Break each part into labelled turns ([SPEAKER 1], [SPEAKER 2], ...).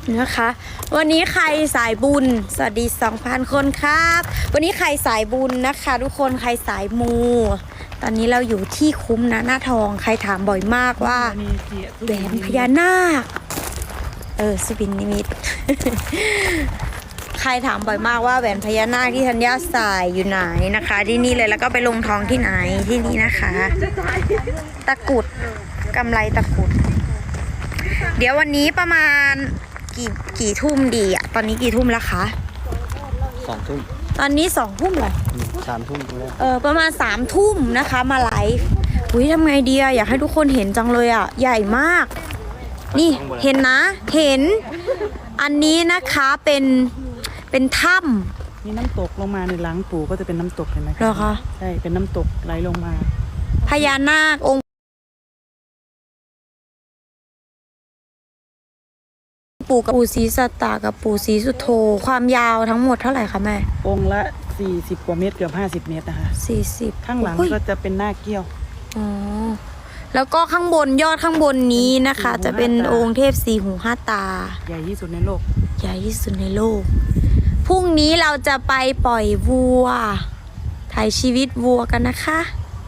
[SPEAKER 1] นะคะวันนี้ใครสายบุญสวัสดี 2,000 คนครับวันนี้ใครสายบุญนะคะทุกคนใครสายมูตอนนี้เราอยู่ที่คุ้มนะหน้าทองใครถามบ่อยมากว่าแหวนพญานาคสุบินนิมิต ใครถามบ่อยมากว่าแหวนพญานาคที่ธัญญาใส่อยู่ไหนนะคะที่นี่เลยแล้วก็ไปลงทองที่ไหนที่นี่นะคะตะกุดกำไรตะกุดเดี๋ยววันนี้ประมาณกี่ทุ่มดีอะตอนนี้กี่ทุ่มแล้วคะ
[SPEAKER 2] 2 ทุ่ม
[SPEAKER 1] ตอนนี้2 ทุ่มเหรอ
[SPEAKER 2] 3 ทุ่ม
[SPEAKER 1] ประมาณ3 ทุ่มนะคะมาไลฟ์อุ้ยทำไงดีอะอยากให้ทุกคนเห็นจังเลยอะใหญ่มากนี่เห็นนะเห็นอันนี้นะคะเป็นถ้ำ
[SPEAKER 3] มีน้ำตกลงมาในหลังปู่ก็จะเป็นน้ำตกเห็นไหม
[SPEAKER 1] เหรอคะ
[SPEAKER 3] ใช่เป็นน้ำตกไหลลงมา
[SPEAKER 1] พญานาคองค์ปู่กับปู่ศรีสัตตากับปู่ศรีสุโธความยาวทั้งหมดเท่าไหร่คะแม่
[SPEAKER 3] องค์ละ40 กว่าเมตรเกือบ50 เมตรนะคะ
[SPEAKER 1] 40
[SPEAKER 3] ข้างหลังก็จะเป็นหน้าเกี้ยว
[SPEAKER 1] แล้วก็ข้างบนยอดข้างบนนี้นะคะจะเป็นองค์เทพ4 หู 5 ตา
[SPEAKER 3] ใหญ่ที่สุดในโลก
[SPEAKER 1] ใหญ่ที่สุดในโลกพรุ่งนี้เราจะไปปล่อยวัวถ่ายชีวิตวัวกันนะคะ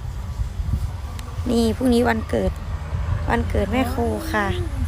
[SPEAKER 1] นี่พรุ่งนี้วันเกิดแม่ครูค่ะ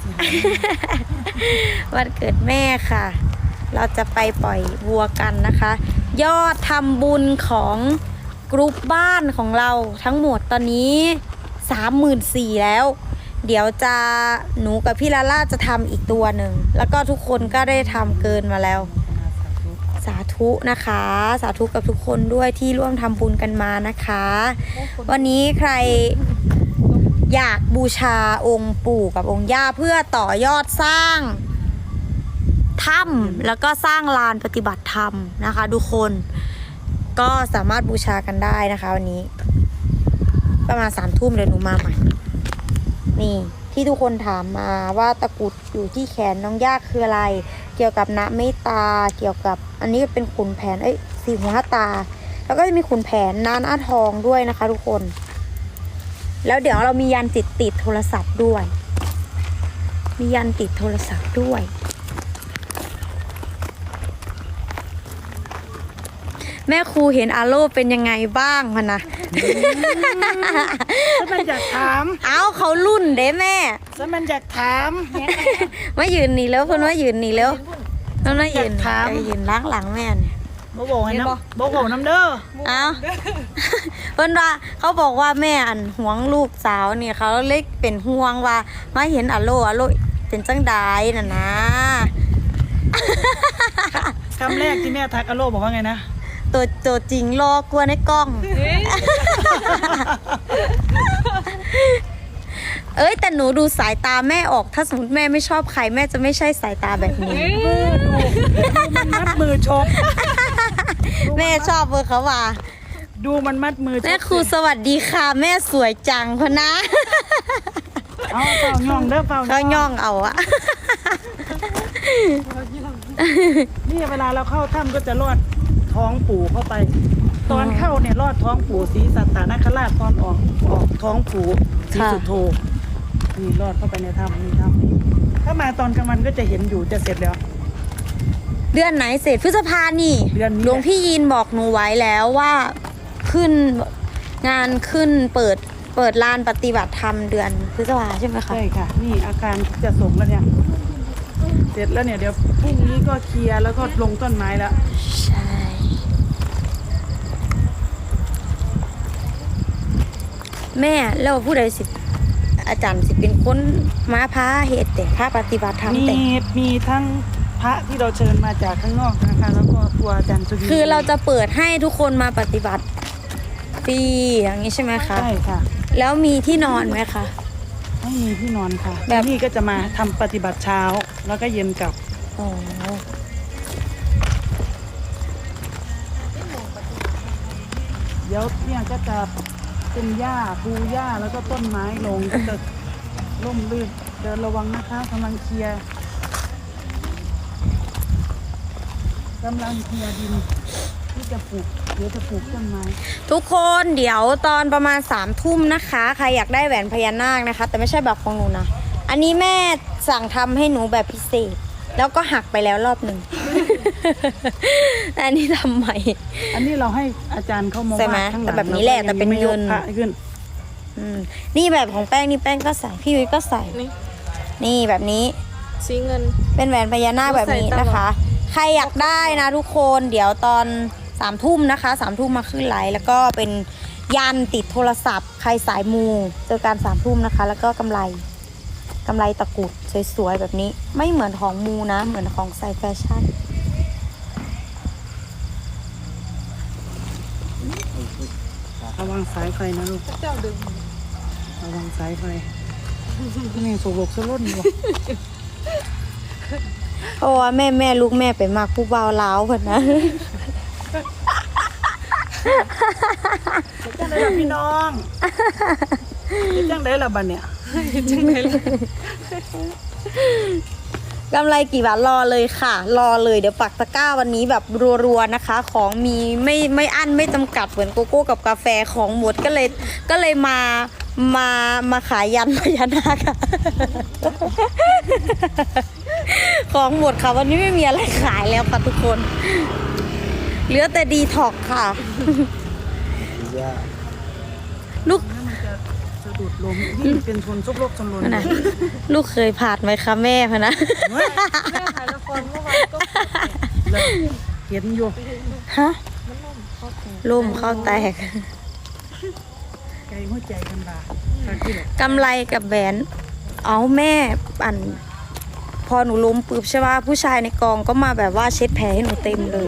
[SPEAKER 1] วันเกิดแม่ค่ะเราจะไปปล่อยวัวกันนะคะยอดทำบุญของกรุ๊ปบ้านของเราทั้งหมดตอนนี้ 34,000 แล้วเดี๋ยวจะหนูกับพี่ลาล่าจะทำอีกตัวหนึ่งแล้วก็ทุกคนก็ได้ทำเกินมาแล้วสาธุนะคะสาธุกับทุกคนด้วยที่ร่วมทำบุญกันมานะคะวันนี้ใครอยากบูชาองค์ปู่กับองค์ย่าเพื่อต่อยอดสร้างถ้ำแล้วก็สร้างลานปฏิบัติธรรมนะคะทุกคนก็สามารถบูชากันได้นะคะวันนี้ประมาณ3 ทุ่มเดี๋ยวหนูมาใหม่นี่ที่ทุกคนถามมาว่าตะกุดอยู่ที่แขนน้องย่าคืออะไรเกี่ยวกับณเมตตาเกี่ยวกับอันนี้เป็นขุนแผน4 หู 5 ตาแล้วก็จะมีขุนแผนหน้าทองด้วยนะคะทุกคนแล้วเดี๋ยวเรามียันติดโทรศัพท์ด้วยมียันติดโทรศัพท์ด้วยแม่ครูเห็นอาโลเป็นยังไงบ้างคะนะ
[SPEAKER 3] ถ้ามันอยากถาม
[SPEAKER 1] เขารุ่นเด้แม่
[SPEAKER 3] ถ้ามันอยากถาม
[SPEAKER 1] มายืนหนีแล้วคนว่ายืนหนีแล้วต้องมายืนล้างหลังแม่เนี่ย
[SPEAKER 3] บ่โบให้น้ำบ่โบน้ำเด้อ
[SPEAKER 1] เพิ่นว่าเขาบอกว่าแม่ห่วงลูกสาวเนี่ยเขาเล็กเป็นห่วงว่ามาเห็นอาโลเป็นจังไดน่ะนะ
[SPEAKER 3] คำแรกที่แม่ทักอาโลบอกว่าไงนะ
[SPEAKER 1] ตัวจริงรอกลัวในกล้องแต่หนูดูสายตาแม่ออกถ้าสมมติแม่ไม่ชอบใครแม่จะไม่ใช่สายตาแบบนี้
[SPEAKER 3] มันมัดมือชก
[SPEAKER 1] แม่ชอบเบอร์เขาว่า
[SPEAKER 3] ดูมันมัดมือ
[SPEAKER 1] แม่ครูสวัสดีค่ะแม่สวยจังพะนะ
[SPEAKER 3] เปล่าย่องเด้อเปล่า
[SPEAKER 1] เขาย่องเอาอะ
[SPEAKER 3] นี่เวลาเราเข้าถ้ำก็จะลอดท้องปู่เข้าไปตอนเข้าเนี่ยลอดท้องปู่ศรีสัตตนคราชตอนออกท้องปู่ศรีสุโธนี่ลอดเข้าไปในถ้ำนี่ถ้ำถ้ามาตอนกลางวันก็จะเห็นอยู่จะเสร็จแล้ว
[SPEAKER 1] เดือนไหนเสร็จพฤษภานี่หลวงพี่ยินบอกหนูไว้แล้วว่าขึ้นงานขึ้นเปิดลานปฏิบัติธรรมเดือนพฤษภาใช่ไหมคะ
[SPEAKER 3] ใช่ค่ะนี่อาการจะส่งแล้วเนี่ยเสร็จแล้วเนี่ยเดี๋ยวพรุ่งนี้ก็เคลียร์แล้วก็ลงต้นไม้แล้ว
[SPEAKER 1] ใช่แม่แล้วผู้ใดสิอาจารย์สิเป็นคนมาพาเหตุแต่พาปฏิบัติธรรมแต่
[SPEAKER 3] มีทั้งพระที่เราเชิญมาจากข้างนอกนะคะแล้วก็ตัวอาจารย์สุดี
[SPEAKER 1] คือเราจะเปิดให้ทุกคนมาปฏิบัติฟรีอย่างนี้ใช่ไหมคะ
[SPEAKER 3] ใช่ค่ะ
[SPEAKER 1] แล้วมีที่นอนไหมคะ
[SPEAKER 3] ไม่มีที่นอนค่ะแบบนี้ก็จะมาทำปฏิบัติเช้าแล้วก็เย็นกลับเดี๋ยวเนี่ยก็จะเป็นหญ้าปูหญ้าแล้วก็ต้นไม้ลงก็จะร่มรื่นเดินระวังนะคะกำลังเคลียร์ดินที่จะปลูกเดี๋ยวจะปลูกต้นไม้
[SPEAKER 1] ทุกคนเดี๋ยวตอนประมาณ3 ทุ่มนะคะใครอยากได้แหวนพญานาคนะคะแต่ไม่ใช่แบบของหนูนะอันนี้แม่สั่งทำให้หนูแบบพิเศษแล้วก็หักไปแล้วรอบหนึ่ง อันนี้ทำใหม่
[SPEAKER 3] อันนี้เราให้อาจารย์เข้ามา
[SPEAKER 1] ใช่ไหม
[SPEAKER 3] วาดข้างหลัง
[SPEAKER 1] แต่แบบนี้แหละแต่เป็นเงิน
[SPEAKER 3] ราก็ยังไม่ยกพระขึ้น
[SPEAKER 1] นี่แบบของแป้งนี่แป้งก็ใส่พี่ยุ้ยก็ใส่ นี่แบบนี้
[SPEAKER 4] สีเงิน
[SPEAKER 1] เป็นแหวนพญานาคแบบนี้นะคะ ใครอยากได้นะทุกคนเดี๋ยวตอน3 ทุ่มนะคะ3 ทุ่มมาขึ้นไลฟ์แล้วก็เป็นยันติดโทรศัพท์ ใครสายมูเจอกัน3 ทุ่มนะคะ แล้วก็กำไรตะกรุดสวยๆแบบนี้ไม่เหมือนของมูนะเหมือนของใส่แฟชั่น
[SPEAKER 3] ระวังสายไฟนะลูก
[SPEAKER 4] เจ้าดึง
[SPEAKER 3] ระวังสายไฟนี่โศกสลดอยู่
[SPEAKER 1] เพราะว่าแม่ลูกแม่ไปมากผู้บ่าวล้าวเพิ่นนะ
[SPEAKER 3] จังไดล่ะพี่น้องจังไดล่ะบัดเนี่ย
[SPEAKER 1] กำไรกี่บาทรอเลยค่ะ รอเลยเดี๋ยวปักตะกร้าวันนี้แบบรัวๆนะคะ ของมีไม่อั้นไม่จำกัดเหมือนโกโก้กับกาแฟของหมดก็เลยมาขายยันพญานาคค่ะ ของหมดค่ะวันนี้ไม่มีอะไรขายแล้วค่ะทุกคน เหลือแต่ดีท็อกค่ะ
[SPEAKER 2] ย่า
[SPEAKER 1] ลูก
[SPEAKER 3] มันจะสะดุดล้มนี่เป็นชนซุกโลกจำนวน
[SPEAKER 1] นะลูกเคยผ่านไหมคะแม่พะนะ
[SPEAKER 4] แม่ถ่ายละครเมื่อวานก็
[SPEAKER 3] แล้วเห็นอยู่
[SPEAKER 1] ฮะล่มเข้าแตก
[SPEAKER 3] ใจหัวใจกันบาค่ะที่แบบ
[SPEAKER 1] กำไรกับแหวนเอาแม่พอหนูล้มปุ๊บใช่ป่ะผู้ชายในกองก็มาแบบว่าเช็ดแผลให้หนูเต็มเลย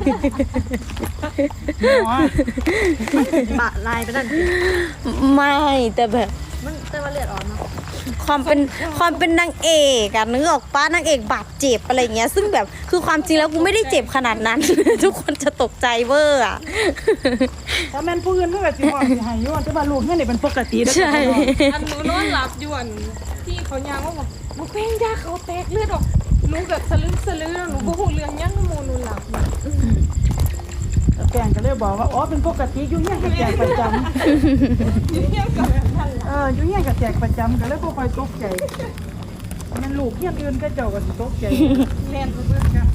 [SPEAKER 3] หมอ
[SPEAKER 4] ปะลายไปนั่น
[SPEAKER 1] ไม่แต่แบบ
[SPEAKER 4] มันแต่ว่าเลือดออกเนาะ
[SPEAKER 1] ความเป็นนางเอกอะนึกออกป้านางเอกบาดเจ็บอะไรเงี้ยซึ่งแบบคือความจริงแล้วกูไม่ได้เจ็บขนาดนั้น ทุกคนจะตกใจเวอร์อะ
[SPEAKER 3] ถ้าแม่นผู้อื่นเพื่อสิว่าสิให้อยู่แต่ว่าลูกเนี่ยนี่เป็นปกติเด้อ
[SPEAKER 1] ใช่
[SPEAKER 4] อันหนูนอนหลับอยู่อันที่เขายางว่าบอกมึงเป็นยาเขาแตกเลือดออกหนูแบบสลึมหนูบ่ฮู้เรื่องยังหมูหนูหลับ
[SPEAKER 3] แล้วแกงก็เลยบอกว่าอ๋อเป็นปกติอยู่เนี่ยก็แจกประจำ
[SPEAKER 4] อยู่เที่ยงกับแบบนั้นล่ะ
[SPEAKER 3] อยู่เนี่ยก็แจกประจำก็เลยบ่ค่อยตกใจแม่นลูกเฮียนอื่นก็เจ้าก็สิตกใจ
[SPEAKER 4] แล่นไปเบิ่งกัน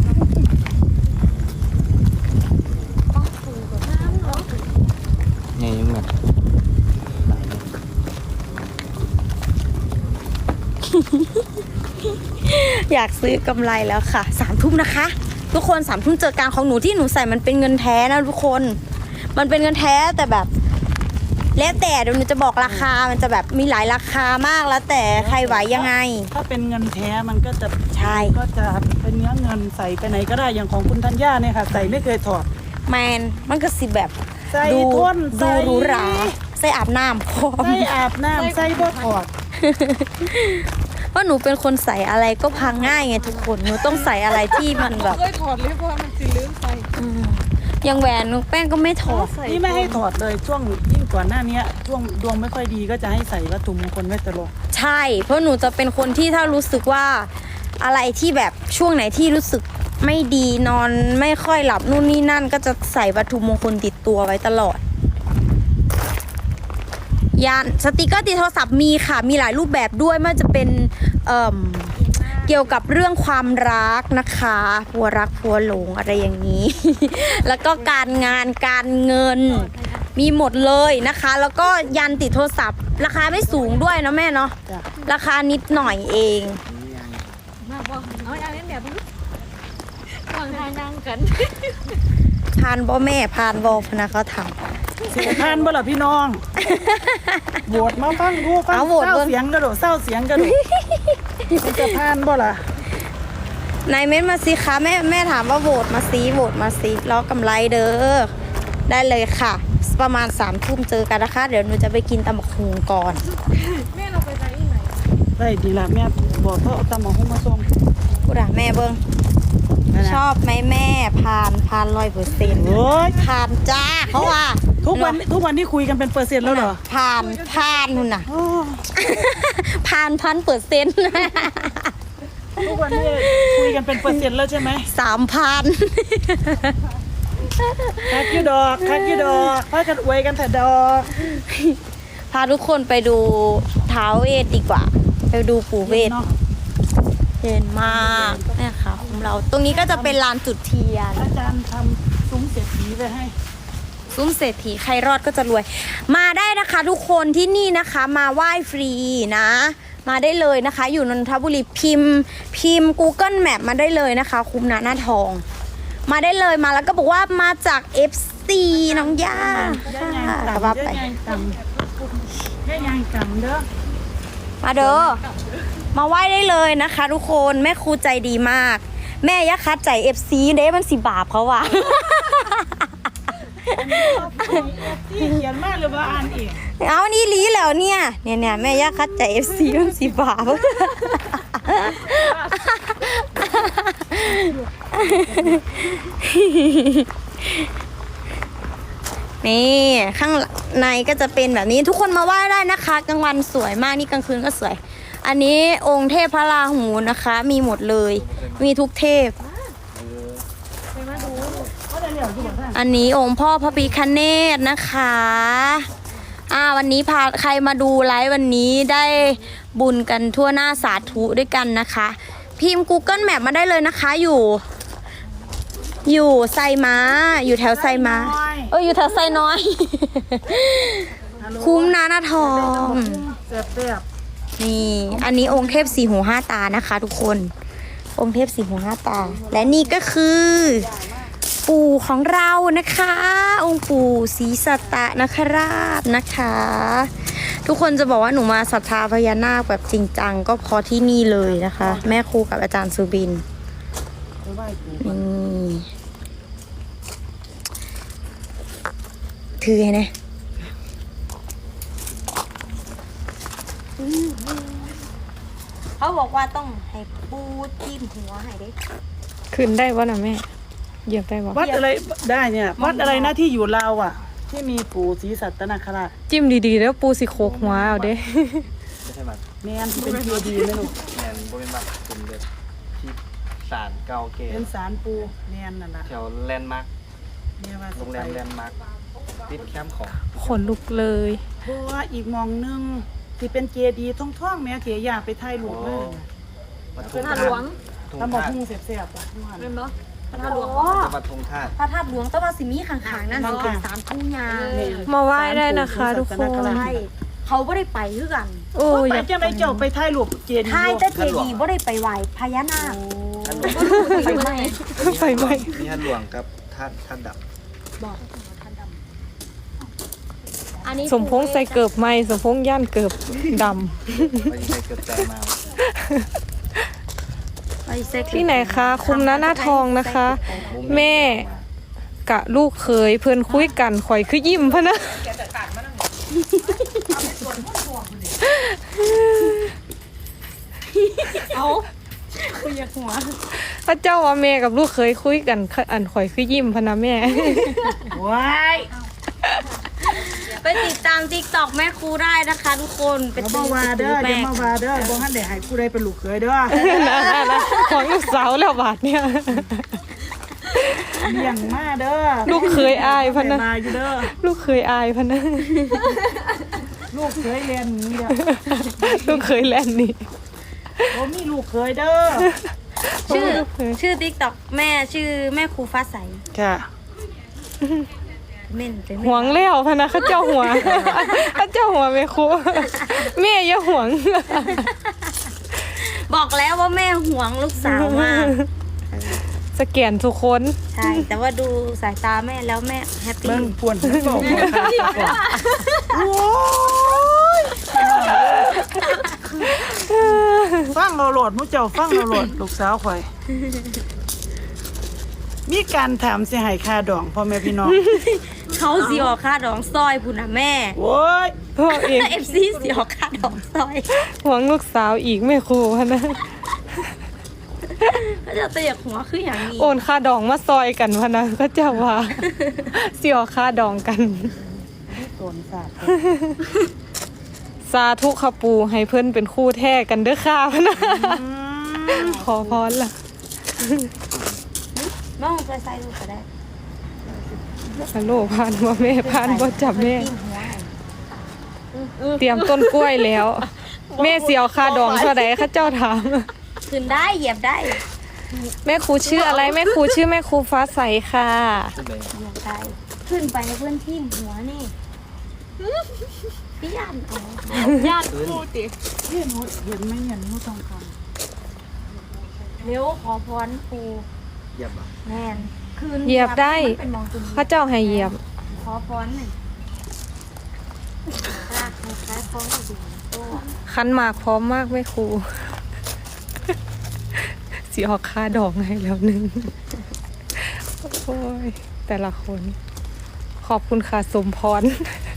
[SPEAKER 4] ป้าปูกับน้ำเนาะ
[SPEAKER 2] ไงยังแบบหลายเลย
[SPEAKER 1] อยากซื้อกำไรแล้วค่ะ3 ทุ่มนะคะ ทุกคน3 ทุ่มเจอการของหนูที่หนูใส่มันเป็นเงินแท้นะทุกคนมันเป็นเงินแท้แต่แบบแล้วแต่เดี๋ยวหนูจะบอกราคามันจะแบบมีหลายราคามากแล้วแต่ใครไหวยังไง
[SPEAKER 3] ถ้าเป็นเงินแท้มันก็จะ
[SPEAKER 1] ใช่
[SPEAKER 3] ก็จะเป็นเนื้อเงินใส่ไปไหนก็ได้อย่างของคุณธัญญาเนี่ยค่ะใส่ไม่เคยถอด
[SPEAKER 1] แมนมันก็สิแบบ
[SPEAKER 3] ใส่
[SPEAKER 1] ดู
[SPEAKER 3] ท่น
[SPEAKER 1] ดู
[SPEAKER 3] ใส่
[SPEAKER 1] หรูหราใส่อาบน้ำพร้อม
[SPEAKER 3] ใส่อาบน้ำใส่บ่ถอด
[SPEAKER 1] เพราะหนูเป็นคนใส่อะไรก็พังง่ายไงทุกคนหนูต้องใส่อะไรที่มันแบบ
[SPEAKER 4] เคยถอดเลยเพราะว่ามันสิลืมใส่
[SPEAKER 1] อย่างแหวนหนูแป้งก็ไม่ถอด
[SPEAKER 3] นี่ไม่ให้ถอดเลยช่วงยิ่งก่อนหน้านี้ช่วงดวงไม่ค่อยดีก็จะให้ใส่วัตถุมงคลไว้ตลอด
[SPEAKER 1] ใช่ เพราะหนูจะเป็นคนที่ถ้ารู้สึกว่าอะไรที่แบบช่วงไหนที่รู้สึกไม่ดีนอนไม่ค่อยหลับนู่นนี่นั่นก็จะใส่วัตถุมงคลติดตัวไว้ตลอดยานสติกเกอร์ติดโทรศัพท์มีค่ะมีหลายรูปแบบด้วยไม่ว่าจะเป็นเกี่ยวกับเรื่องความรักนะคะผัวรักผัวหลงอะไรอย่างนี้ แล้วก็การงานการเงินมีหมดเลยนะคะ แล้วก็ยันติดโทรศัพท์ ราคาไม่สูงด้วยนะแม่เนาะ
[SPEAKER 3] จ้ะ
[SPEAKER 1] ราคานิดหน่อยเอง
[SPEAKER 4] มาบอกเอาอย่างนี้แบบนี้วางทางยังกัน
[SPEAKER 1] พานบ่แม่พานบ่พนะเขาท
[SPEAKER 3] เสียทานบ่ล่ะพี่น้องโหวตมาฟังดูฟัง
[SPEAKER 1] เอาโหวต
[SPEAKER 3] เศร้า
[SPEAKER 1] เบิ่ง
[SPEAKER 3] เสียงกระโดดเศร้าเสียงกระโดดมันจะทานบ่ล่ะ
[SPEAKER 1] ำนายเม้นมาสิคะแม่ถามว่าโหวตมาสิล้อกำไรเด้อได้เลยค่ะ ประมาณ3 ทุ่มเจอกันนะคะ เดี๋ยวหนูจะไปกินตำบักหุ่งก่อน
[SPEAKER 4] แม่เราไปไหนที่ไหน
[SPEAKER 3] ได้ดีละแม่บอกเขาเอาตำหมกหุ้งมาส่ง
[SPEAKER 1] กูด่าแม่เบิ้ง
[SPEAKER 3] นั่นน่ะ
[SPEAKER 1] ชอบไหมแม่พาน100%
[SPEAKER 3] โอ้ย
[SPEAKER 1] พานจ้าเขาว่า
[SPEAKER 3] ทุกวันที่คุยกันเป็นเปอร์เซ็นต์แล้วเหรอ
[SPEAKER 1] พานนู่นน่ะ
[SPEAKER 3] โอ้
[SPEAKER 1] พาน1,000%
[SPEAKER 3] ทุกวันนี้คุยกันเป็นเปอร์เซ็นต์แล้วใช่ไหม
[SPEAKER 1] 3,000
[SPEAKER 3] คักอยูดอกพากันอวยกันแต่ดอก
[SPEAKER 1] พาทุกคนไปดูท้าวเวทดีกว่า ไปดูปู่เวท
[SPEAKER 3] เนาะ
[SPEAKER 1] เย็นมากเนี่ยค่ะเรา ตรงนี้ก็จะเป็นลานจุดเทียน
[SPEAKER 3] อาจารย์ทำซุ้มเศรษฐีไว้ให้
[SPEAKER 1] ซุ้มเศรษฐีใครรอดก็จะรวย มาได้นะคะทุกคนที่นี่นะคะมาไหว้ฟรีนะ มาได้เลยนะคะ อยู่นนทบุรีพิมพ์ Google Map มาได้เลยนะคะ คุ้มนะหน้าทอง มาได้เลยมาแล้วก็บอกว่ามาจาก FC น้องย่า
[SPEAKER 3] ย่ายาง
[SPEAKER 1] ค่ะ
[SPEAKER 3] กำ
[SPEAKER 1] ว่า
[SPEAKER 3] ย่า
[SPEAKER 1] ไป
[SPEAKER 3] ยางกำย่ายางกำเด้อ
[SPEAKER 1] มาเด้อมาไหว้ได้เลยนะคะ ทุกคนแม่ครูใจดีมาก แม่ยักษ์คัดใจ FC เด้มันสิบาปเขาว่ะ
[SPEAKER 3] ที่เขียนมากหรือว่าอ่านเอง
[SPEAKER 1] เอานี่ลีแล้วเนี่ยแม่ย่าคัดใจ FC มันสิบาป นี่ข้างในก็จะเป็นแบบนี้ทุกคนมาไหว้ได้นะคะกลางวันสวยมากนี่กลางคืนก็สวย อันนี้องค์เทพพระราหูนะคะ มีหมดเลย มีทุกเทพ
[SPEAKER 3] เขาจะเหลียวอยู่บ่ท่าน
[SPEAKER 1] อันนี้องค์พ่อพระพิฆเนศนะคะวันนี้พาใครมาดูไลฟ์วันนี้ได้บุญกันทั่วหน้าสาธุด้วยกันนะคะ พิมพ์ Google Map มาได้เลยนะคะอยู่ไซม้าอยู่แถวไซม้าอยู่แถวไซน้อย คุ้มนะหน้าทอง
[SPEAKER 3] เสียบเสียบ
[SPEAKER 1] นี่อันนี้องค์เทพสี่หูห้าตานะคะทุกคนองค์เทพสี่หูห้าตา และนี่ก็คือ ปู่ของเรานะคะ องค์ปู่ศรีสัตตนคราชนะคะ ทุกคนจะบอกว่าหนูมาศรัทธาพญานาคแบบจริงจังก็เพราะที่นี่เลยนะคะ แม่ครูกับอาจารย์สุบิน
[SPEAKER 3] ไปไหว้ปู่
[SPEAKER 1] นี่ถือไงนะเขาบอกว่าต้องให้ปูจิ้มหัวให้ได้
[SPEAKER 4] ขึ้นได้วะนะแม่เหยียบได้วะ
[SPEAKER 3] วัดอะไรได้เนี่ยวัดอะไรนะที่อยู่ลาวอ่ะ ที่มีปู่ศรีสัตนคราช
[SPEAKER 4] จิ้มดีๆแล้วปูสิโคกหัวเอาเด้
[SPEAKER 2] ไม่ใช่บัตร
[SPEAKER 3] แมนที่เป็นเจดีย์นะลูก
[SPEAKER 2] แมนโบเป็นบัตรเป็นแบบที่ศาลเก่าเก๋
[SPEAKER 3] เป็นศาลปู่แมนนั่นแหละ
[SPEAKER 2] แถวแลนด์มาร์ค
[SPEAKER 3] เนี่ยว่า
[SPEAKER 2] โรงแรมแลนด์มาร์คติดแคมป์ของ
[SPEAKER 4] ขนลุกเลย
[SPEAKER 3] เพราะว่าอีกมองหนึงที่เป็นเจดีย์ท่องๆแม่เถียอยากไปถ่ายรูปเลย
[SPEAKER 2] วัดทุ่ง
[SPEAKER 4] หน้า
[SPEAKER 2] ธา
[SPEAKER 4] หลวง
[SPEAKER 2] ตุทุ่ง
[SPEAKER 3] ทำบอก
[SPEAKER 2] ธาตุ
[SPEAKER 3] พุ่งเสียบๆอ่ะทุกวัน
[SPEAKER 4] เป็นเนาะ
[SPEAKER 1] พระหลวง
[SPEAKER 2] จังหวัดทุ่งธาตุ
[SPEAKER 1] พระธาตุหลวงต้องมาสิมีข้างๆนั่นสิเป็นสามทุ่งยา
[SPEAKER 4] มาไหว้ได้นะคะทุกคน
[SPEAKER 1] ใช่เขาไม่ได้ไปคือกัน
[SPEAKER 4] โอ้
[SPEAKER 3] โอ้ย
[SPEAKER 4] อยาก
[SPEAKER 3] จะไปเจ้าไปถ่ายรูปเจดีย์
[SPEAKER 1] ท้ายแต่เจดีย์ไม่ได้ไปไหวพญานาค
[SPEAKER 2] ท่านหลวง
[SPEAKER 1] ไปไหม
[SPEAKER 4] ไฟไหม้
[SPEAKER 2] มีท่านหลวงกับท่านดับ
[SPEAKER 1] อันนี้
[SPEAKER 4] สมพงษ์ใส่เกิบไหม้สมพงษ์ย่านเกิบด
[SPEAKER 2] ไม่ใช่เกิดใจมา
[SPEAKER 4] ำที่ไหนคะคุ้มนะหน้าทองนะคะ แม่กะลูกเคยเพื่อนคุยกันข่อยคือยิ้มพะนะ
[SPEAKER 1] เอาคุยอยากหัว
[SPEAKER 4] พระเจ้าว่าแม่กับลูกเคยคุยกันอันข่อยคือยิ้มพะนะแม่
[SPEAKER 3] ว้าย
[SPEAKER 1] ไปติดตาม TikTok แม่ครูได้นะคะทุกคนไป
[SPEAKER 3] เดี๋ยว
[SPEAKER 1] ติ
[SPEAKER 3] มา
[SPEAKER 1] ด
[SPEAKER 3] ว่าเด้อ
[SPEAKER 1] แม่
[SPEAKER 3] เดี๋ยวมาว่าเด้อบ่ฮั่นได้ให้ผู้ใดเป็นลูกเขยเด้อ
[SPEAKER 4] ของลูกสาวแล้วบาทเนี่ย
[SPEAKER 3] เลี้ยงมาเด้อ
[SPEAKER 4] ลูกเคยอายพะนะ
[SPEAKER 3] มาอยู่เด้อ
[SPEAKER 4] ลูกเคยอายพะนะ
[SPEAKER 3] ลูกเขยเรียนหนี้เด้อ
[SPEAKER 4] ลูกเคยแล่นนี่
[SPEAKER 3] บ่มีลูกเขยเด้อ
[SPEAKER 1] ชื่อ TikTok แม่ชื่อแม่ครูฟ้าใส
[SPEAKER 3] จ้ะ
[SPEAKER 1] เม่นเป็น
[SPEAKER 4] หวงแล้วพะนะเขาเจ้าหัวเขาเจ้าหัวแม่ครูแม่อย่าหวง
[SPEAKER 1] บอกแล้วว่าแม่ห่วงลูกสาวมาก
[SPEAKER 4] สแกนทุกคน
[SPEAKER 1] ใช่ แต่ว่าดูสายตาแม่แล้วแม่แฮปปี้
[SPEAKER 3] เบิ่งป่วนบอกโอ้ยฟังเราโหลดมุเจ้าฟังเราโหลดลูกสาวข่อย มีการถามสิให้ค่าดองพ่อแม่พี่น้อง
[SPEAKER 1] เขาสิออกค่าดองซอยพุ่นนะแม่
[SPEAKER 3] โว้ย
[SPEAKER 4] พ่อเอง
[SPEAKER 1] FC สิออกค่าดองซอย
[SPEAKER 4] หวงลูกสาวอีกแม่ครูพะนะ
[SPEAKER 1] ก็จะเตียกหัวคืออย่างนี้
[SPEAKER 4] โอนค่าดองมาซอยกันพะนะก็เจ้าว่าเสียค่าดองกัน
[SPEAKER 3] โดนสาด
[SPEAKER 4] สาธุขปูให้เพื่อนเป็นคู่แท้กันเด้อค่ะพะนะขอพรล่ะ
[SPEAKER 1] น้องไปใส่ดูก็ได้
[SPEAKER 4] ฮัลโหลพานบ่แม่พานบ่จับแม่
[SPEAKER 1] จิ้หัวให้
[SPEAKER 4] เตรียมต้นกล้วยแล้ว แม่เสียวค่าดองเท่าใดข้าเจ้าถาม
[SPEAKER 1] ขึ้นได้เหยียบได้
[SPEAKER 4] แม่ครูชื่ออะไรแม่ครูชื่อแม่ครูฟ้าใสค่ะ
[SPEAKER 2] จะไป
[SPEAKER 1] อยากได้ขึ้นไปเพื่อนที่หัวนี่พี่ยันเอา
[SPEAKER 4] ญาติครูติ
[SPEAKER 3] นี่หนูเห็นไหมเนี่ยหนูทองค
[SPEAKER 1] เร็วขอพรปู
[SPEAKER 2] เหยียบอ่ะ
[SPEAKER 1] แม่นคืน
[SPEAKER 4] เหยียบได้
[SPEAKER 1] มันเป็นมองตุน
[SPEAKER 4] พระเจ้าให้เหยียบ
[SPEAKER 1] ขอพรหนึ่งลากคล้ายๆพร้อมกับดูตัว
[SPEAKER 4] คันหมากพร้อมมากแม่ครู สิออกค่าดอกให้แล้วหนึงโอ้ยแต่ละคน ขอบคุณค่ะสมพร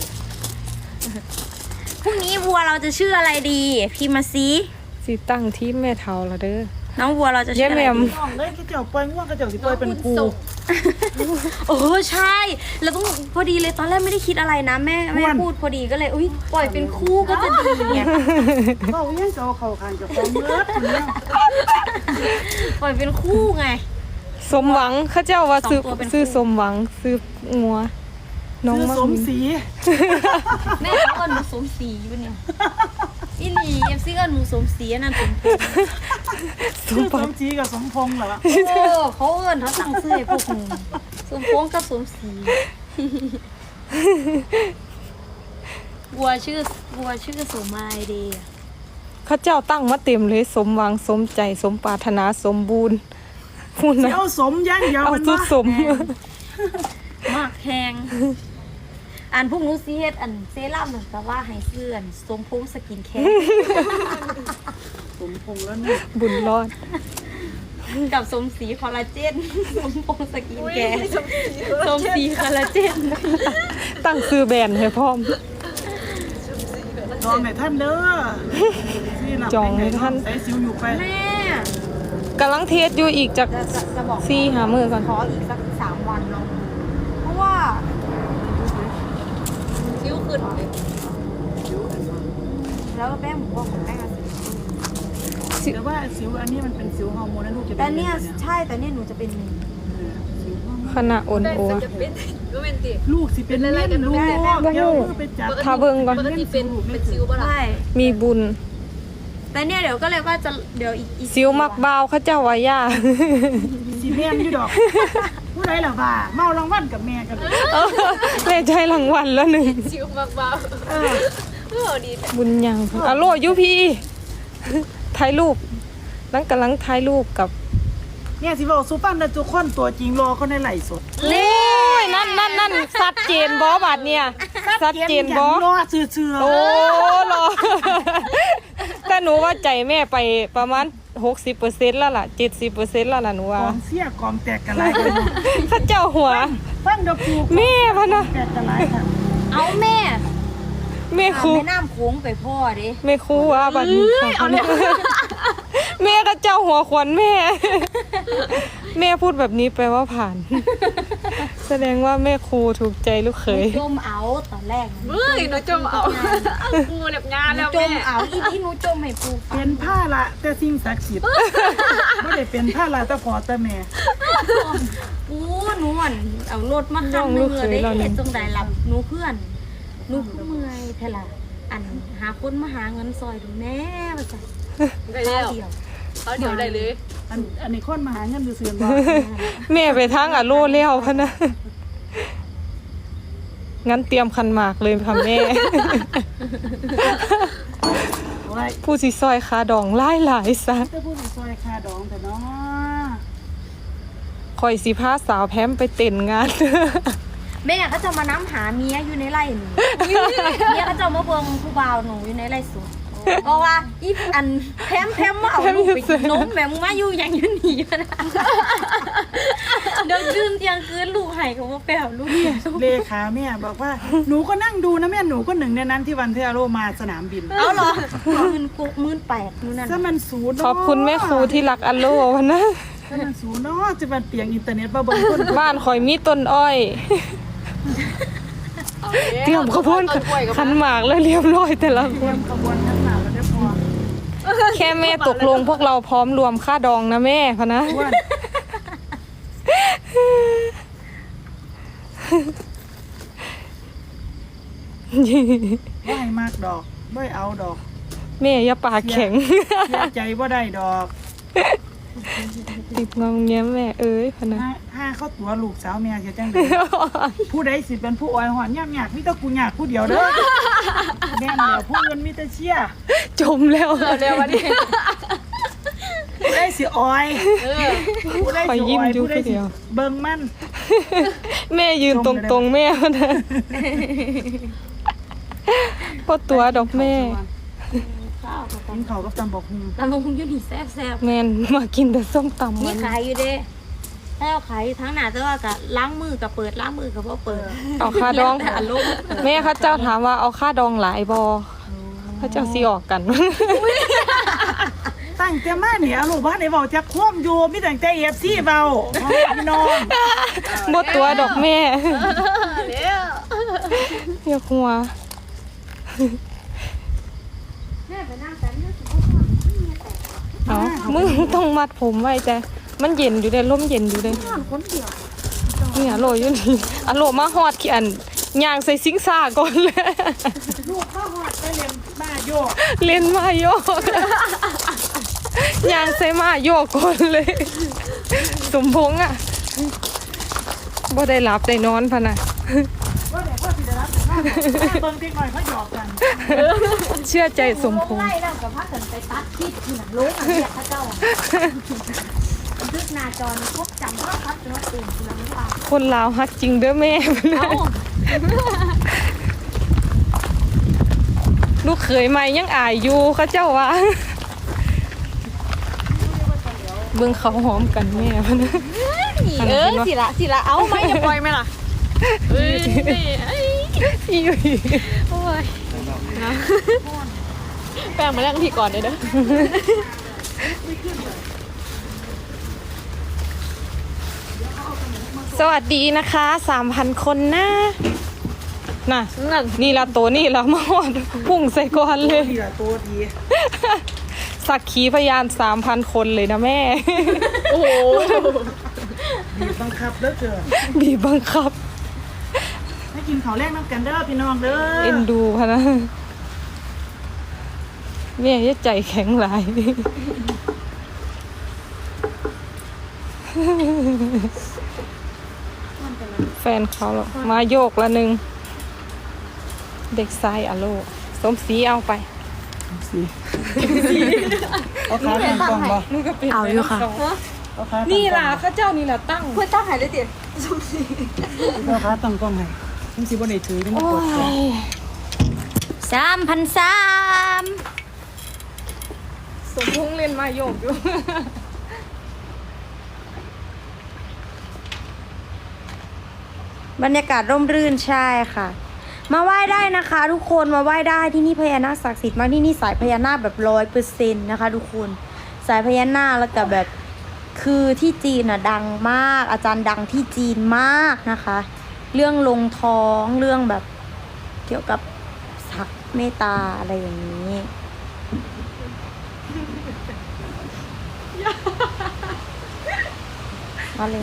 [SPEAKER 1] พรุ่งนี้วัวเราจะชื่ออะไรดีพี่มาซี
[SPEAKER 4] สิตั้งที่แม่เฒ่าละเด้อ
[SPEAKER 1] น้องวัวเราจะชื่ออะไร
[SPEAKER 4] เย้แหม่
[SPEAKER 1] ดี
[SPEAKER 4] ม
[SPEAKER 3] ำน้องเลยที่เจ้าปล่อยง่วงก็เจ้าสิปล่อยเป็นปู
[SPEAKER 1] โอ้ใช่แล้วต้องพอดีเลยตอนแรกไม่ได้คิดอะไรนะแม่พูดพอดีก็เลยอุ้ยปล่อยเป็นคู่ก็จะดีไง
[SPEAKER 3] เขายังจะเอาเข่าคางเจะฟ้าของเลิศคนเนี้ย
[SPEAKER 1] ปล่อยเป็นคู่ไง
[SPEAKER 4] สมหวังเขาเจ้าว่าซื้อ
[SPEAKER 1] สองตัวเป็นคู่
[SPEAKER 4] ซื้อสมหวังซื้องัว น้อง
[SPEAKER 3] ซื้อ
[SPEAKER 4] มา
[SPEAKER 3] สมศรี
[SPEAKER 1] แม่เขาเอิญหนูสมศรีอยู่เนี่ยอีหลีเอฟซีเอิญหนูสมศรีอันนั้นสมพงษ์
[SPEAKER 3] ซื้อสมศรีกับสมพงษ์เหรอ
[SPEAKER 1] โอ้เขาเอิญเขาตั้งชื่อให้พวกหนูสมพงษ์กับสมศรีวัวชื่อสมมายเดย์
[SPEAKER 4] เขาเจ้าตั้งมาเต็มเลยสมหวังสมใจสมปรารถนาสมบูรณ์พูดนะ
[SPEAKER 3] เจ้าสมย่างยาว
[SPEAKER 4] เอา
[SPEAKER 3] มัน
[SPEAKER 4] สุด
[SPEAKER 3] ว่า
[SPEAKER 4] สม
[SPEAKER 1] มากแพงอันพวกหนูซีเฮ็ดอันเซรั่มเหมือนกับว่าให้เสื่อนสมพงษ์สกินแคร์
[SPEAKER 3] สมพงษ์แล้วเนี่ย
[SPEAKER 4] บุญรอด
[SPEAKER 1] กับสมศรีคอลลาเจนสมพงษ์สกินแคร์สมศรีคอลลาเจน
[SPEAKER 4] ตั้งซื้อแบรนด์ให้พร้อม
[SPEAKER 3] จองให้ท่านเด้อที่หลับ
[SPEAKER 4] จองให้ท่าน
[SPEAKER 3] ใส่สิวอยู่ไป
[SPEAKER 1] แม่
[SPEAKER 4] กำลังเทสอยู่อีกจาก
[SPEAKER 1] จะบอก
[SPEAKER 4] หามือก่อน
[SPEAKER 1] ขออีกสัก3 วันเนาะเพราะว่าคิ้วขึ้นเลยแล้วก็แป้งหมูว่าของแป้งอะสิ
[SPEAKER 3] แต่ว่าสิวอันนี้มันเป็นสิวฮอร์โมนนะลูกจะเป็
[SPEAKER 1] แต่
[SPEAKER 3] น
[SPEAKER 1] เนี่ย
[SPEAKER 3] สิว
[SPEAKER 1] ใช่แต่เนี่ยหนูจะเป็น
[SPEAKER 4] ขณะอ่อนโอ
[SPEAKER 3] ลูกสิเป็นเล่นลูก
[SPEAKER 4] ได้
[SPEAKER 3] เดี๋ยวมือไปจับ
[SPEAKER 4] ถ้าเบิ่งก่อน
[SPEAKER 3] เล่นสิวลูกไม่สิว
[SPEAKER 1] ใช่
[SPEAKER 4] มีบุญ
[SPEAKER 1] แต่เนี่ยเดี๋ยวก็เลยว่าจะเดี๋ยวอีก
[SPEAKER 4] ซิวมักบาวเขาเจ้าว่าย่า
[SPEAKER 3] สิแม่นอยู่ดอกผู้ใดล่ะว่าเมารางวัลกับแม่กันเลย
[SPEAKER 4] แม่ใจรางวัลแล้วหนึ่งบุญยังอะโลยูพีถ่ายรูปนั่งกำลังถ่ายรูปกับ
[SPEAKER 3] เนี่ยสิบอกซูปั้นนะทุกคนตัวจริงรอเขาในไหลฟ์สด
[SPEAKER 4] นี่นั่นชัดเจนบอบาดเนี่ยชัดเจนบอ
[SPEAKER 3] รอเชื่อ
[SPEAKER 4] โอ้รอ แต่หนูว่าใจแม่ไปประมาณ 60%แล้วล่ะ 70%แล้วล่ะหนู
[SPEAKER 3] ก
[SPEAKER 4] ว่า
[SPEAKER 3] องเสียกองแตกกันหลายกัน
[SPEAKER 4] เขาเจ้าหัว
[SPEAKER 3] ฟังเดปู
[SPEAKER 4] แม่พะนะ
[SPEAKER 3] แตกกันหลายค่ะ
[SPEAKER 1] เอาแม่
[SPEAKER 4] แม่ครู
[SPEAKER 1] แม่น้ำโค้งไปพ่อดิ
[SPEAKER 4] แม่ครูว่าบัดนี้แม่ก็เจ้าหัวขวัญแม่ แม่พูดแบบนี้แปลว่าผ่าน แสดงว่าแม่ครูถูกใจลูกเขย
[SPEAKER 1] จมเอาตอนแรก
[SPEAKER 4] หนูจมเอากูแบบงาน
[SPEAKER 1] หนู
[SPEAKER 4] แล้ว
[SPEAKER 1] จ
[SPEAKER 4] แม่
[SPEAKER 1] มเอาอีหนูจมให้ปูฟั
[SPEAKER 3] เป็
[SPEAKER 1] ง
[SPEAKER 3] นผ้าละแต่สิ่งศักดิ์สิทธิ์ไม่ได้เป็นผ้าละแต่พอแต่แม่
[SPEAKER 1] ปูหนูอ่ะเอารถมาคันนึงเลยได้จงได้รับหนูเพื่อนหนูเมื่อยเท่าไหร่อันหาคนมาหาเงินซอยดูแน่ว่าจ้ะ
[SPEAKER 4] ได้แล้ว
[SPEAKER 1] เดียว
[SPEAKER 4] เขาเดี๋ยวได้เลย
[SPEAKER 3] อันนี้คนมาหาเงินดูเสื่อมบ่
[SPEAKER 4] แม่ไปทางอะโลแล้วพะนะ งั้นเตรียมคันหมากเลยค่ะแม่
[SPEAKER 3] ไว้
[SPEAKER 4] ผู้สิซอยคาดองหลายซะ
[SPEAKER 3] จะพูดถึงซอยคาดองแต่เนาะ
[SPEAKER 4] คอยสิพาสาวแพมไปเต้นงาน
[SPEAKER 1] แม่ก็จะมาน้ำหาเมียอยู่ในไร่หนูเมียก็จะมาเบิ่งผู้บ่าวหนูอยู่ในไร่สวนเพราะว่าอีอันแพมมาเอาลูกไปกินนมแม่มึงมาอยู่อย่างอยู่หนีนะ เดี๋ยวคืนเที่ยงคืนลูกไห้เขามาแปลลูกเนี่ย
[SPEAKER 3] เลขาแม่บอกว่าหนูก็นั่งดูนะแม่หนูก็หนึ่งในนั้นที่วันที่อาโรมาสนามบิน
[SPEAKER 1] เอาเหรอ18,000นู่นนั่น
[SPEAKER 3] ถ้ามันศูนย์
[SPEAKER 4] ขอบคุณแม่ครูที่รักอัลโลวะนะ
[SPEAKER 3] ถ้ามันศูนย์เนาะจะมันเปลี่ยนอินเทอร์เน็ตมาเบิ่งคน
[SPEAKER 4] บ้านคอยมีต้นอ้อย เตรียมข้าวโพดขันหมากแล้วเรียบร้อยแต่ละค
[SPEAKER 3] เตรีย
[SPEAKER 4] น
[SPEAKER 3] มขบวนทั้งหนาแล้วได้พอ
[SPEAKER 4] แค่แม่ตกลงพวกเราพร้อมรวมค่าดองนะแม่พะนะ
[SPEAKER 3] อ้วนบ่ให้มากดอกบ่ให้เอาดอก
[SPEAKER 4] แม่อย่าปากแข็ง
[SPEAKER 3] เสียใจบ่ได้ดอก
[SPEAKER 4] ติดงอมแง้มแม่เอ้ยพะนะ
[SPEAKER 3] ถ้าเข้าตัวลูกสาวแม่จะจังไดผู้ใดสิเป็นผู้อ้อยหอนยากมีแต่กูยากผู้เดียวเด้อแม่นแล้วผู้อื่นมีแต่เชียร์
[SPEAKER 4] จมแล้วเดี๋ยววันนี้
[SPEAKER 3] ผู้ใดสิอ้อยผู้ใดสิอ้อยผู้ใดสิเบิ่งมัน
[SPEAKER 4] แม่ยืนตรงๆแม่พะนะก็ตัวดอกแม่
[SPEAKER 1] ข้าวกับ
[SPEAKER 3] กินข้าวกับตำบักหุ่ง
[SPEAKER 1] ตำบักหุ่งอยู่นี่แซ่บ
[SPEAKER 4] แม่นมากินแต่ส้มตำ
[SPEAKER 1] ๆ
[SPEAKER 4] มั
[SPEAKER 1] นี่
[SPEAKER 4] น
[SPEAKER 1] ขายอยู่เด้แล้วขายอยู่ทั้งหน้าแต่ว่าก็ล้างมือกับเปิดล้างมือกับบ่เปิด
[SPEAKER 4] เอาค่าดอง
[SPEAKER 1] แต่อารมณ์
[SPEAKER 4] แม่เขาเจ้าถามว่าเอาค่าดองหลายบอเขาเจ้าซีออกกัน
[SPEAKER 3] ตั้งแต่มาเนี่ยลูกบ้านได้เว้าจักคว่ำอยู่มีแต่ใจ FC เว้าพ่อแม่พี่น้อง
[SPEAKER 4] บดตัวดอกแม่
[SPEAKER 1] เร็ว
[SPEAKER 4] อย่าหัว
[SPEAKER 1] แม่ไปนั่งแต่นี่สิบ่พอ
[SPEAKER 4] เอามึงต้องมัดผมไว้แต่มันเย็นอยู่เลยร่มเย็นอยู่เลย
[SPEAKER 1] นอนคนเดียว
[SPEAKER 4] เนี่ยโหลอยู่นี่อะโหลมาฮอดขี้อันย่างใส่ซิงซ่าก่อนเลย
[SPEAKER 3] ลูกเข้าฮอดไปเรียนมาโยก
[SPEAKER 4] เล่นมาโยกย่างใส่มาโยกก่อนเลย สมพงษ์อ่ะบ่ได้หลับได้นอนพะนะ
[SPEAKER 3] ว่าแต่พ่อสิได้รับแต่ว่าเบิ่งติ๊กหน่อยเขาหยอกกัน
[SPEAKER 4] เชื่อใจสมพงษ์
[SPEAKER 1] ไล่แล้วกับพากันไปตัดคลิปที่หนังโลกอันเนี้ยพระเจ้าทึกหน้าจอนี่พบจำว่าพัดจนว่าตื่นขึ้นมาไม่ว่า
[SPEAKER 4] คนลาวฮักจริงเด้อแม่
[SPEAKER 1] เอ้า
[SPEAKER 4] ลูกเขยใหม่ยังอายอยู่เขาเจ้าว่าเบิ่งเขาหอมกันแม่พะนะ
[SPEAKER 1] สิละเอาไหมอย่าปล่อยไหมล่ะเอ้ย
[SPEAKER 4] อีหลี
[SPEAKER 1] โอ้ยแป้งมาแล้วพี่ก่อนเลยเด้อ
[SPEAKER 4] สวัสดีนะคะ 3,000 คนนะน่ะนี่ละตัวนี่ละมาฮอดพุ่งใส่ก่อนเลย
[SPEAKER 3] ดีละตัวดี
[SPEAKER 4] สักขีพยาน 3,000 คนเลยนะแม่
[SPEAKER 1] โอ้โห
[SPEAKER 3] บีบบังคับเด้อเกิน
[SPEAKER 4] บีบบังคับ
[SPEAKER 3] ให้กินข้าวแรกน้ำกันเด้อพี่น้องเด้อ
[SPEAKER 4] เอ็นดูพะนะแม่จะใจแข็งหลาย แฟนเขาหรอกมาโยกละหนึ่ง เด็กชายอะโลสมศรีเอาไป
[SPEAKER 3] สิเอาขาตั้งกล้องบ่
[SPEAKER 1] เอาอยู่ค่ะ
[SPEAKER 3] เอาขาตั้งกล้อง
[SPEAKER 4] นี่ล่ะข้าเจ้านี่ล่ะตั้ง
[SPEAKER 1] เพื่อตั้งหายเลยติ
[SPEAKER 3] เอาขาตั้งกล้องให้มันสิบ่ได้ถือนี่มันกดกล้อง
[SPEAKER 1] 3,300
[SPEAKER 4] สมพงษ์เล่นมาโยกอยู่
[SPEAKER 1] บรรยากาศร่มรื่นใช่ค่ะ มาไหว้ได้นะคะ ทุกคนมาไหว้ได้ที่นี่พญานาคศักดิ์สิทธิ์มากที่นี่สายพญานาคแบบ100%นะคะ ทุกคนสายพญานาคแล้วก็แบบคือที่จีนอ่ะดังมากอาจารย์ดังที่จีนมากนะคะ เรื่องลงท้องเรื่องแบบเกี่ยวกับศักดิ์เมตตาอะไรอย่างนี้มาเลย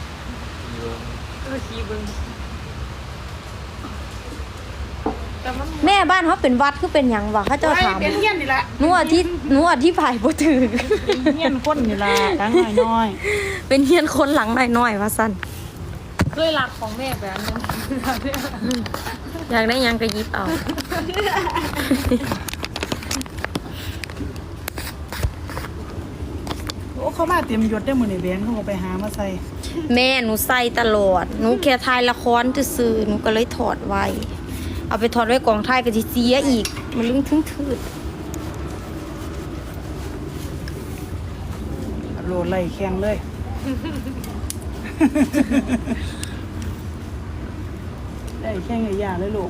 [SPEAKER 1] แม่บ้านเขาเป็นวัดคือเป็นหยังวะเขาเจ้าถาม
[SPEAKER 3] เป็นเฮียนนี่ล่ะ
[SPEAKER 1] หนูอธิบายบ่ถึง
[SPEAKER 3] เป็นเฮียนคนนี่ล่ะตั้งน้อย
[SPEAKER 1] เป็นเฮียนคนหลังหน่อยๆว่าซั่น
[SPEAKER 4] เคยรักของแม่แบบนั้น
[SPEAKER 1] อยากได้หยังก็หยิบเอา
[SPEAKER 3] ๆโอ้เขามาเตรียมยศได้มื้อนี้แบงค์เขาก็ไปหามาใส่
[SPEAKER 1] แม่หนูใส่ตลอดหนูแค่ถ่ายละครซื่อๆหนูก็เลยถอดไว้เอาไปถอดไว้กองถ่ายก็สิเสียอีก มันลึงทึ่งทืด
[SPEAKER 3] โลไล่แข่งเลย ได้แข่งไอ้ย่าเลยลูก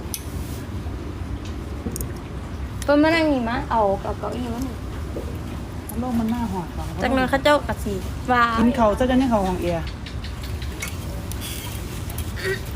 [SPEAKER 1] เพิ่นมานั่งนี่มาเอาเก้าอี้มานี่
[SPEAKER 3] โลกมันหน้าหอด
[SPEAKER 1] จักหนั้นเขาเจ้าก็สิว่า
[SPEAKER 3] กินเขาวซะจนยังเขาห้องเอีย